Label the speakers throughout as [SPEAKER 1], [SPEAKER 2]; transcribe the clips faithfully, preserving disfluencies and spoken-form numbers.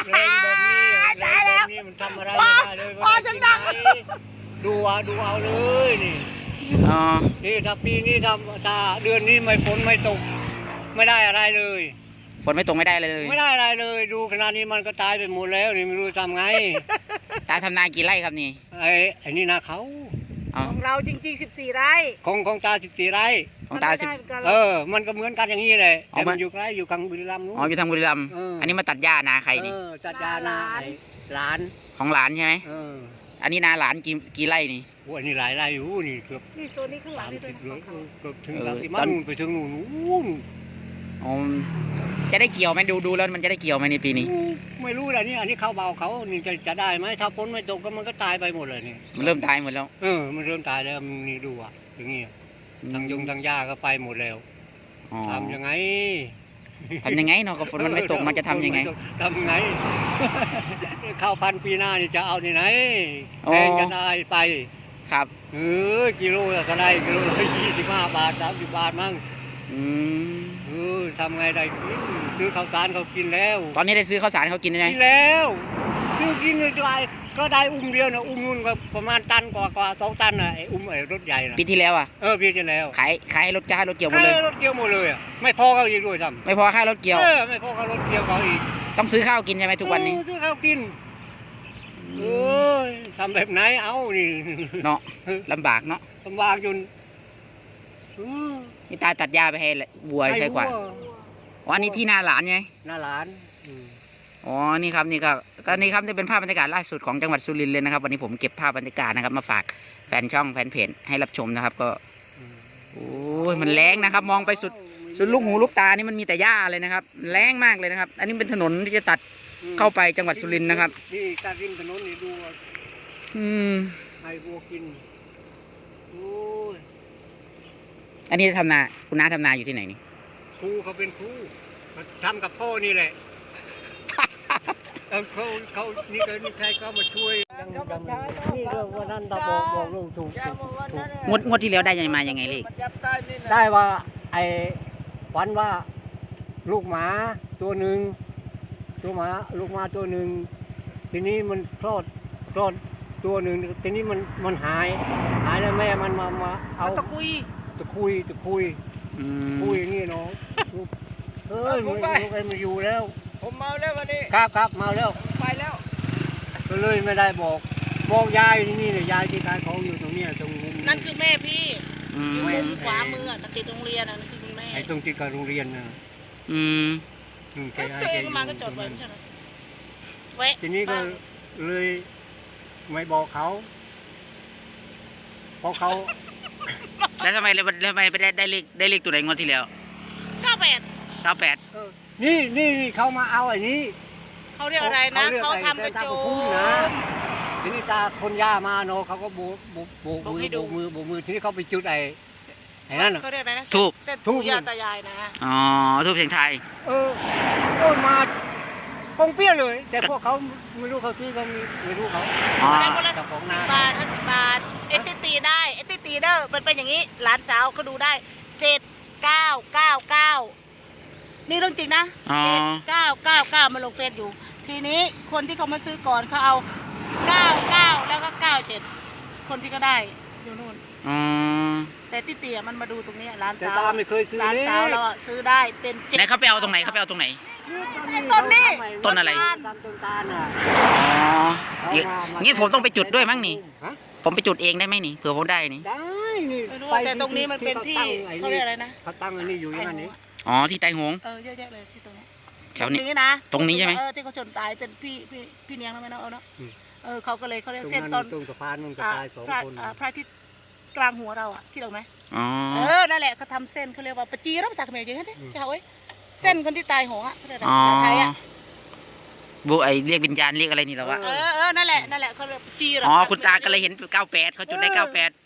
[SPEAKER 1] แรงแบบนี้แรงแบบนี้มันทำอะไรไม่ได้เลยพอฉันดังดูเอาดูเอาเลยนี่
[SPEAKER 2] อ๋อ
[SPEAKER 1] นี่ถ้าปีนี้ทำถ้าเดือนนี้ไม่ฝนไม่ตกไม่ได้อะไรเลย
[SPEAKER 2] ฝนไม่ตกไม่ได้เลย
[SPEAKER 1] ไม่ได้อะไรเลยดูขนาดนี้มันก็ตายไปหมดแล้วนี่ไม่รู้ทำไง
[SPEAKER 2] ตาทำนากี่ไร่ครับนี่
[SPEAKER 1] ไอ้ไอ้นี่นาเขา
[SPEAKER 3] ของเราจริงๆสิบสี่ไร่
[SPEAKER 1] ของของตาสิบสี่ไร่
[SPEAKER 2] ของตาสิบ
[SPEAKER 1] เออมันก็เหมือนกันอย่างนี้เลยแต่มันอยู่ใกล้อยู่ทางบุรีรัมย์นู้น
[SPEAKER 2] อ๋ออยู่ทางบุรีรัมย์อันนี้มาตัดหญ้านาใครนี่
[SPEAKER 1] ตัดหญ้านาหลาน
[SPEAKER 2] ของหลานใช่ไหมอันนี้นาหลานกี่กี่ไร่นี่
[SPEAKER 1] โอ้อันนี้หลายไร่อยู่นี่เกือบ
[SPEAKER 3] นี่โซนนี้ข้างหลังนี่ด้วย
[SPEAKER 1] เกือบถึงสามสิบมันไปถึงนู่นนู่น
[SPEAKER 2] อ๋อจะได้เกี่ยวไหมดูดูแล้วมันจะได้เกี่ยวไหมในปีนี้
[SPEAKER 1] ไม่รู้เลยนี่อันนี้เขาเบาเขานี่จะจะได้ไหมถ้าฝนไม่ตกก็มันก็ตายไปหมดเลยนี่
[SPEAKER 2] มันเริ่มตายหมดแล้ว
[SPEAKER 1] เออมันเริ่มตายแล้วนี่ดูอ่ะอย่างนี้ทางยงทางหญ้าก็ไปหมดแล้วทำยังไง
[SPEAKER 2] ทำยังไงเนาะก็ฝนมันไม่ตกมันจะทำยังไง
[SPEAKER 1] ทำยังไงข้าวพันปีหน้านี่จะเอาที่ไหนแพงจะได้ไป
[SPEAKER 2] ครับ
[SPEAKER 1] เออกิโลก็ได้กิโลละยี่สิบห้าบาทสามสิบบาทมั้ง
[SPEAKER 2] อืม
[SPEAKER 1] เออทำไงได้กินซื้อข้าวสารเขากินแล้ว
[SPEAKER 2] ตอนนี้ได้ซื้อข้าวสารเขากินไหม
[SPEAKER 1] กินแล้วซื้อกินได้ก็ได้อุ้มเดียวนะอุ้มนู่นก็ประมาณตันกว่ากว่าสองตันน่ะไอ้อุ้มไอ้รถใหญ่น่ะ
[SPEAKER 2] ปีที่แล้วอ่ะ
[SPEAKER 1] เออปีที่แล้ว
[SPEAKER 2] ขายขายรถจ้ารถเกี่ยวหมดเลย
[SPEAKER 1] รถเกี่ยวหมดเลยอ่ะไม่พอเขาอีกด้วยท
[SPEAKER 2] ำไม่พอค่ารถเกี่ยว
[SPEAKER 1] เออไม่พอค่ารถเกี่ยวเขาอีก
[SPEAKER 2] ต้องซื้อข้าวกินใช่ไหมทุกวันนี้
[SPEAKER 1] ซื้อข้าวกินเออทำแบบไหนเอานี่
[SPEAKER 2] เนาะลำบากเนาะ
[SPEAKER 1] ลำบากจน
[SPEAKER 2] นี่ตาตัดหญ้าไปให้วัวให้ขวานอ๋อนี่ที่นาหลานไง
[SPEAKER 1] นาหลาน
[SPEAKER 2] อ๋อนี่ครับนี่ก็ก็นี่ครับนี่เป็นภาพบรรยากาศล่าสุดของจังหวัดสุรินทร์เลยนะครับวันนี้ผมเก็บภาพบรรยากาศนะครับมาฝากแฟนช่องแฟนเพจให้รับชมนะครับก็โอ้ยมันแรงนะครับมองไปสุดสุดลูกหูลูกตานี่มันมีแต่หญ้าเลยนะครับแรงมากเลยนะครับอันนี้เป็นถนนที่จะตัดเข้าไปจังหวัดสุรินทร์นะครับ
[SPEAKER 1] นี่ตัดริมถนนนี่ดู
[SPEAKER 2] อืม
[SPEAKER 1] ให้วัวกินโอ้ย
[SPEAKER 2] อันนี้ทำนาคุณน้าทำนาอยู่ที่ไหนนี่
[SPEAKER 1] ครูเขาเป็นครูทำกับพ่อนี่แหละเขาเขานี่ก็นี่ใครก็มาช่วยนี่เรื่องวันนั้นเราบอกบอกลูกถูกถูก
[SPEAKER 2] งวดงวดที่แล้วได้ยังมายังไงเลข
[SPEAKER 1] ได้ว่าไอ้ฝันว่าลูกหมาตัวหนึ่งตัวหมาลูกหมาตัวหนึ่งทีนี้มันคลอดคลอดตัวหนึ่งทีนี้มันมันหายหายแล้วแม่มันมามาเอา
[SPEAKER 3] ตะกุย
[SPEAKER 1] ตะคุยตะคุยคุยอย่างนี้เนาะเฮ้ยลูกไอ้มาอยู่แล้ว
[SPEAKER 3] ผมเมาแล้ววันนี้
[SPEAKER 1] ครับครับเมาแล้ว
[SPEAKER 3] ไปแล้ว
[SPEAKER 1] ก็เลยไม่ได้บอกบอกยายที่นี่เนี่ยยายที่ขายของอยู่ตรงนี้ตรง
[SPEAKER 3] นั่นคือแม่พี่อยู่มุมขวามือติดโรงเรียนนั่นคือคุณแม่
[SPEAKER 1] ไอ้ตรงติดกับโรงเรียนนะ
[SPEAKER 2] อืม
[SPEAKER 3] ตัวเองมาก็จอดไว้ใช่ไหมไว้
[SPEAKER 1] ทีนี้ก็เลยไม่บอกเขาเพราะเขา
[SPEAKER 2] แล้วทำไมแล้วทำไมไปได้ได้เลขได้เลขตัวไหนงวดที่แล้ว
[SPEAKER 3] เก้าแปด
[SPEAKER 2] เก้าแปด
[SPEAKER 1] นี่นี่เขามาเอาไอ้นี้
[SPEAKER 3] เขาเรียกอะไรนะเขาทำกระโจม
[SPEAKER 1] ทีนี้ตาคนย่ามาเนาะเขาก็โบกโบกโบกมือโบกมือโบกมือทีนี้เขาไปจุดไอ้ไอ้นั่น
[SPEAKER 3] เขาเรียกอะไรนะ
[SPEAKER 2] ทูบ
[SPEAKER 3] เส้นทูบย่าตายายนะ
[SPEAKER 2] อ๋อทูบเสียงไทย
[SPEAKER 1] เออโอ้มาปงเปี้ยเลยแต่พวกเขาไม่รู้เขาซื้อเขาไม่รู้เขา
[SPEAKER 3] ได้คนละสิบบาทห้าสิบบาทเอติตีได้เอติตีเด้อมันเป็นอย่างนี้หลานสาวเขาดูได้เจ็ดเก้าเก้าเก้านี่เรื่องจริงนะเจ็ดเก้าเก้าเก้ามาลงเฟซอยู่ทีนี้คนที่เขามาซื้อก่อนเขาเอาเก้าเก้าแล้วก็เก้าเจ็ดคนที่ก็ได้อยู่นู่นแต่ติตีมันมาดูตรงนี้ร้านสาวร้านสาวเราซื้อได้เป็นเจ็ด
[SPEAKER 2] ไหนเขาไปเอาตรงไหนเขาไปเอาตรงไหน
[SPEAKER 3] ต้นนี้
[SPEAKER 2] ต้นอะไร
[SPEAKER 1] ต้นตาลอ่ะ
[SPEAKER 2] อ๋องี้ผมต้องไปจุดด้วยมั้งนี่ผมไปจุดเองได้ไหมนี่เผื่อผมได้นี่
[SPEAKER 1] ได้นี่
[SPEAKER 3] แต่ตรงนี้มันเป็นที่เขาเรียกอะไรนะ
[SPEAKER 1] เขาตั้งอันนี้อยู่อย่างนี้
[SPEAKER 2] อ๋อที่ไตหง
[SPEAKER 3] เออเยอะแยะเลยที่ตรงนี้
[SPEAKER 2] แถวนี้
[SPEAKER 3] นะ
[SPEAKER 2] ตรงนี้ใช่ไหม
[SPEAKER 3] เออที่เขาชนตายเป็นพี่พี่พี่เนียงแล้วไหมเนาะเนาะเออเขาก็เลยเขาเรียกเส้นต้น
[SPEAKER 1] ตรงสะพานมันก็ตายสองคน
[SPEAKER 3] พระที่กลางหัวเราอ่ะที่เราไหม
[SPEAKER 2] อ๋อ
[SPEAKER 3] เออนั่นแหละเขาทำเส้นเขาเรียกว่าปจีรับสักเมย์อย่างนี้ใช่ไหมเส้นคนที่ตายหัวอ่ะเขาเรียกอะไรภาษาไทยอ่ะ
[SPEAKER 2] บุไอเรียกวิญญาณเรียกอะไรนี่หรอวะ
[SPEAKER 3] เออเออนั่นแหละนั่นแหละเขาเรียกจี
[SPEAKER 2] อ๋อคุณตาก็เลยเห็นเก้าแปดเขาจุดได้เก้าแปด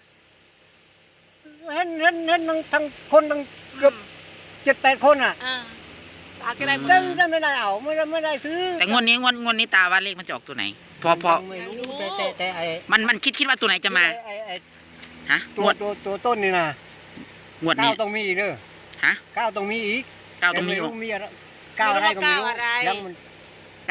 [SPEAKER 1] เห็นเห็นเห็นทั้งคนทั้งเกือบเจ็ดแปดคนอ่ะ
[SPEAKER 3] ตาก็ได้
[SPEAKER 1] จังจังไม่ได้เอาไม่ได้ไม่ได้ซื้อ
[SPEAKER 2] แต่งวดนี้งวดงวดนี้ตาว่าเลขมันจะออกตัวไหนพอพอ
[SPEAKER 1] ไม่รู้แต่แต่แต่ไอ้
[SPEAKER 2] มันมันคิดคิดว่าตัวไหนจะมาฮะ
[SPEAKER 1] ตัวตัวตัวต้นนี่นะ
[SPEAKER 2] งวดนี้
[SPEAKER 1] เก้าต้องมีอีกเด้อ
[SPEAKER 2] ฮะ
[SPEAKER 1] เก้าต้องมีอีก
[SPEAKER 2] เก้าต้องมี
[SPEAKER 1] มีอะไรเก้าอะไรก็ไม่รู้ยังมัน
[SPEAKER 2] เก้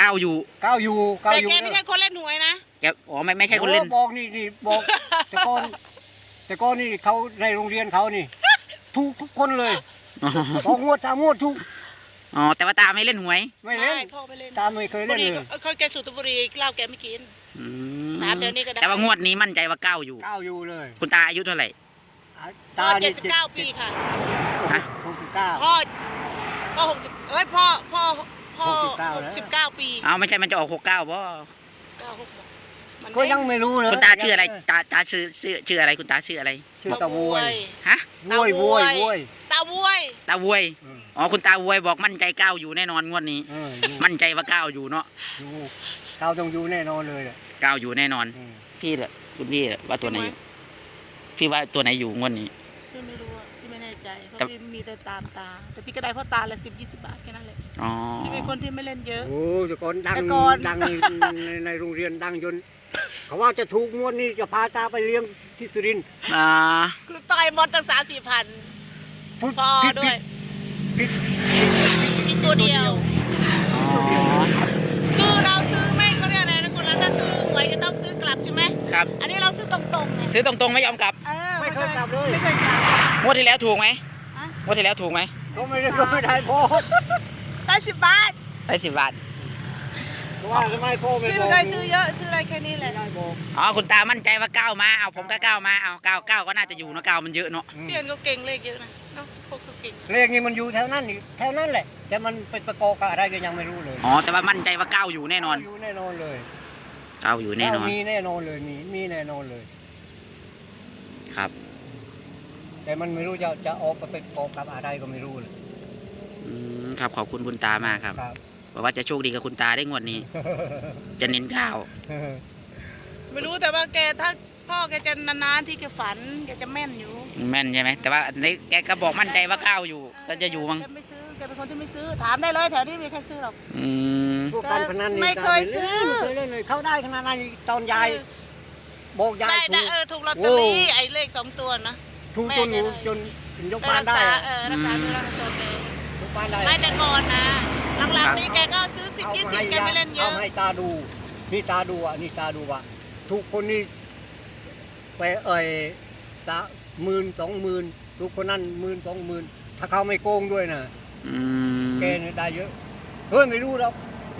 [SPEAKER 2] ก้าวอยู่
[SPEAKER 1] ก้าวอยู่ก้าว
[SPEAKER 3] แต่
[SPEAKER 1] อยู่
[SPEAKER 3] แกไม่ใช่คนเล่นหวยนะ
[SPEAKER 2] แกอ๋อไม่ไม่ใช่คนเล่น
[SPEAKER 1] โอ้บอกนี่นี่บอก แต่ก่อนแต่ก่อนนี่เขาในโรงเรียนเขานี่ถูกทุกคนเลยบอกงวดสามงวดถูก
[SPEAKER 2] อ๋อแต่ว่าตาไม่เล่นหวย
[SPEAKER 1] ไม่เล่น
[SPEAKER 3] พ่อไม่เล่น
[SPEAKER 1] ตามไม่เคย
[SPEAKER 3] บุ
[SPEAKER 1] เล่น
[SPEAKER 3] หรี่
[SPEAKER 1] เลย
[SPEAKER 3] ก็เขาแกสูบบุหรี่เหล้าแกไม่กิน
[SPEAKER 2] อืม
[SPEAKER 3] น้ำเดี๋ยวนี้ก็ได้
[SPEAKER 2] แต่ว่างวดนี้มั่นใจว่าก้าวอยู่
[SPEAKER 1] ก้าวอยู่เลย
[SPEAKER 2] คุณตาอายุเท่าไหร่
[SPEAKER 3] พ่อเจ็ดสิบเก้าปีค่ะ
[SPEAKER 2] ฮะ
[SPEAKER 1] หกสิบเก้า
[SPEAKER 3] พ่อพ่อหกสิบเอ้ยพ่อพ่อพ่อ
[SPEAKER 1] หกสิบเก้า
[SPEAKER 3] ห
[SPEAKER 1] แล้ว
[SPEAKER 3] กสิบเก้าปี
[SPEAKER 2] เอาไม่ใช่มันจะออกหกเก้าบ่
[SPEAKER 3] เก้าหกหกมัน
[SPEAKER 1] ก็ยังไม่รู้เลย
[SPEAKER 2] คุณตาชื่ออะไรตาตาชื่อชื่อชื่ออะไรคุณตาชื่ออะไร
[SPEAKER 1] ชื่อตะววย
[SPEAKER 2] ฮะ
[SPEAKER 1] ววยวยวย
[SPEAKER 3] ตาบวย
[SPEAKER 2] ตาวย
[SPEAKER 1] อืม
[SPEAKER 2] อ๋อคุณตาวยบอกมั่นใจก้าวอยู่แน่นอนงวดนี้
[SPEAKER 1] เอออยู่
[SPEAKER 2] มั่นใจว่าก้าวอยู่เนาะ
[SPEAKER 1] อยู่ก้าวต้องอยู่แน่นอนเลยแหละ
[SPEAKER 2] ก้าวอยู่แน่นอน
[SPEAKER 1] อืม
[SPEAKER 2] พี่แหละคุณพี่แหละว่าตัวไหนอยู่พี่ว่าตัวไหนอยู่งวดนี้
[SPEAKER 3] พี่ไม่รู้อะพี่ไม่แน่ใจเพราะ
[SPEAKER 2] แต่
[SPEAKER 3] พี่มีแต่ตามตา แต่พี่ก็ได้เพราะตาละสิบยี่สิบบาทแค่นั้นแหละ
[SPEAKER 2] อ๋อ
[SPEAKER 3] พี่เป็นคนที่ไม่เล่นเยอะ
[SPEAKER 1] โอ้แต่ก่อนดัง
[SPEAKER 3] แต่ก่อน
[SPEAKER 1] ดังในในในโรงเรียนดังจนเขาว่าจะถูกงวดนี้จะพาตาไปเลี้ยงที่สุรินทร์
[SPEAKER 2] อ่า
[SPEAKER 3] คือต่อยมดตั้งสามสี่พัน
[SPEAKER 1] พูด
[SPEAKER 3] พอ
[SPEAKER 1] ผิด
[SPEAKER 3] ด้วย
[SPEAKER 1] ผิด
[SPEAKER 3] อีกตัวเดียว
[SPEAKER 2] อ๋อ
[SPEAKER 3] คือเราซื้อไม่ก็เรียกอะไรนะคนเราถ้าซื้อหวยจะต้องซื้อกลับใช่ไหม
[SPEAKER 2] ครับ
[SPEAKER 3] อันนี้เราซื้อตรงๆไง
[SPEAKER 2] ซื้อตรงๆไม่ยอมกลับ
[SPEAKER 3] เออ
[SPEAKER 1] ไม่เคยกลับเลย
[SPEAKER 3] ไม่เคยกลับ
[SPEAKER 2] งวดที่แล้วถูกไหม
[SPEAKER 3] อะ
[SPEAKER 2] งวดที่แล้วถูกไหม
[SPEAKER 1] ก็ไม่ได้ก็ไม่ได้พ่อ
[SPEAKER 3] ได้สิบบาท
[SPEAKER 2] ได้สิบบาท
[SPEAKER 1] เพราะว่าทำไมพ่อไม่
[SPEAKER 3] พี่
[SPEAKER 1] บอ
[SPEAKER 3] ไม่
[SPEAKER 1] ก
[SPEAKER 3] เคยซื้อเยอะซื้ออะไรแค่นี้แห
[SPEAKER 1] ไม่
[SPEAKER 3] ละ
[SPEAKER 1] ได้บอก
[SPEAKER 2] อ๋อคุณตามั่นใจว่าก้าวมาเอาผมก็ก้าวมาเอาก้าวก้าวก็น่าจะอยู่เนอะก้าวมันเยอะเนาะ
[SPEAKER 1] อืม
[SPEAKER 3] เพี่อนก็เก่งเลขเยอะนะเนาะพวกเขาเก่ง
[SPEAKER 1] เลขนี้มันอยู่แถวนั้นนี่แถวนั้นแหละ แต่มันเป็นประกอบกับอะไรก็ยังไม่รู้เลย
[SPEAKER 2] อ๋อแต่ว่ามั่นใจว่าก้าวอยู่แน่นอน
[SPEAKER 1] อยู่แน่นอนเลย
[SPEAKER 2] ก้าวอยู่แน่นอน
[SPEAKER 1] มีแน่นอนเลยมีมีแน่นอนเลย
[SPEAKER 2] ครับ
[SPEAKER 1] แต่มันไม่รู้จะจะออกไปประกอบกับอะไรก็ไม่รู้เลย
[SPEAKER 2] อืมครับขอบคุณคุณตามากครับ
[SPEAKER 1] ครับ
[SPEAKER 2] บอกว่าจะโชคดีกับคุณตาได้งวดนี้ จะเน้นก้าว
[SPEAKER 3] ไม่รู้แต่ว่าแกถ้าพ่อแกจะนานๆที่แกฝันแกจะแม่นอยู่
[SPEAKER 2] แม่นใช่ไหมแต่ว่าอันนี้แกก็บอกมั่นใจว่าก้าวอยู่ก็จะอยู่มั้ง
[SPEAKER 3] แกไม่ซื้อแกเป็นคนที่ไม่ซื้อถามได้เลยแถวนี้มีใครซื้อหรอก
[SPEAKER 2] อืม
[SPEAKER 1] พวกการพนันนี่
[SPEAKER 3] ไม่เคยซื้อ
[SPEAKER 1] ไม่เคยเล่นเลยเข้าได้ขนาดนั้นตอนยายบอกยาย
[SPEAKER 3] ได้
[SPEAKER 1] ถู
[SPEAKER 3] ได้
[SPEAKER 1] ก
[SPEAKER 3] เออถูกลอตเตอรี่
[SPEAKER 1] โอ้
[SPEAKER 3] ไอ้เลขสองตัวนะ
[SPEAKER 1] ถูกจนหนูจนถึงยก
[SPEAKER 3] ไป
[SPEAKER 1] บ้าน
[SPEAKER 3] รัก
[SPEAKER 1] ได้
[SPEAKER 3] ษา
[SPEAKER 1] อะ
[SPEAKER 3] เออรักษาตัวรักษาตัวแก
[SPEAKER 1] ยกบ้านได้
[SPEAKER 3] ไม่แต่ก่อนนะหลังๆนี้แกก็ซื้อสิบยี่สิบแกไม่เล่นเย
[SPEAKER 1] เอา
[SPEAKER 3] อะ
[SPEAKER 1] ให้ตาดูนี่ตาดูอ่ะนี่ตาดูอ่ะทุกคนนี่ไปเอ่ยตาหมื่นสองหมื่นทุกคนนั่นหมื่นสองหมื่นถ้าเขาไม่โกงด้วยนะ
[SPEAKER 2] อืม
[SPEAKER 1] แกเนี่ยได้เยอะเฮ้ยไม่รู้หรอก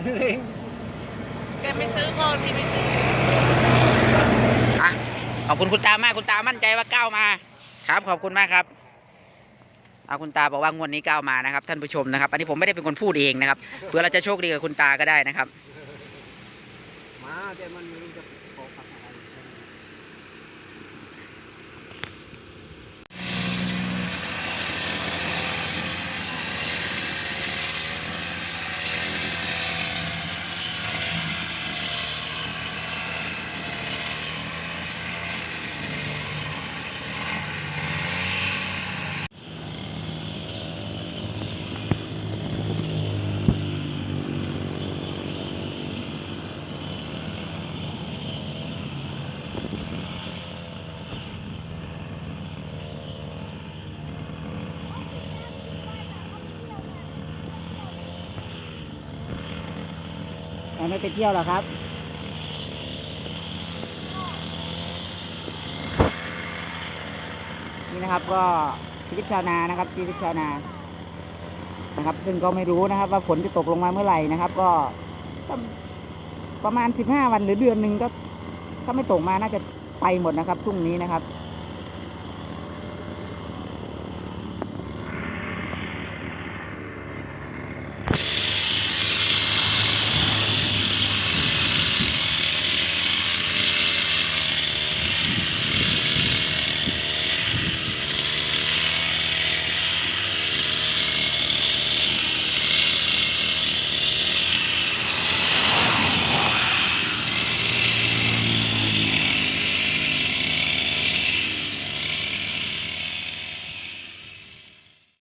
[SPEAKER 3] แกไม่ซื้อพ่อที่ไม่ซื้อ
[SPEAKER 2] อ่ะขอบคุณคุณตามากคุณตามั่นใจว่าก้าวมา ครับขอบคุณมากครับเอาคุณตาบอกว่างวดนี้ก้าวมานะครับท่านผู้ชมนะครับ อันนี้ผมไม่ได้เป็นคนพูดเองนะครับเพื่อเราจะโชคดีกับคุณตาก็ได้นะครับ
[SPEAKER 1] มาแต่มันไม่รู้จะขอกับอะไร
[SPEAKER 2] ไม่ไปเที่ยวหรอครับนี่นะครับก็ชีวิตชาวนานะครับชีวิตชาวนานะครับ ซึ่งก็ไม่รู้นะครับ ว่าฝนจะตกลงมาเมื่อไหร่นะครับ ก็ประมาณสิบห้าวันหรือเดือนหนึ่งก็ถ้าไม่ตกมาน่าจะไปหมดนะครับพรุ่งนี้นะครับ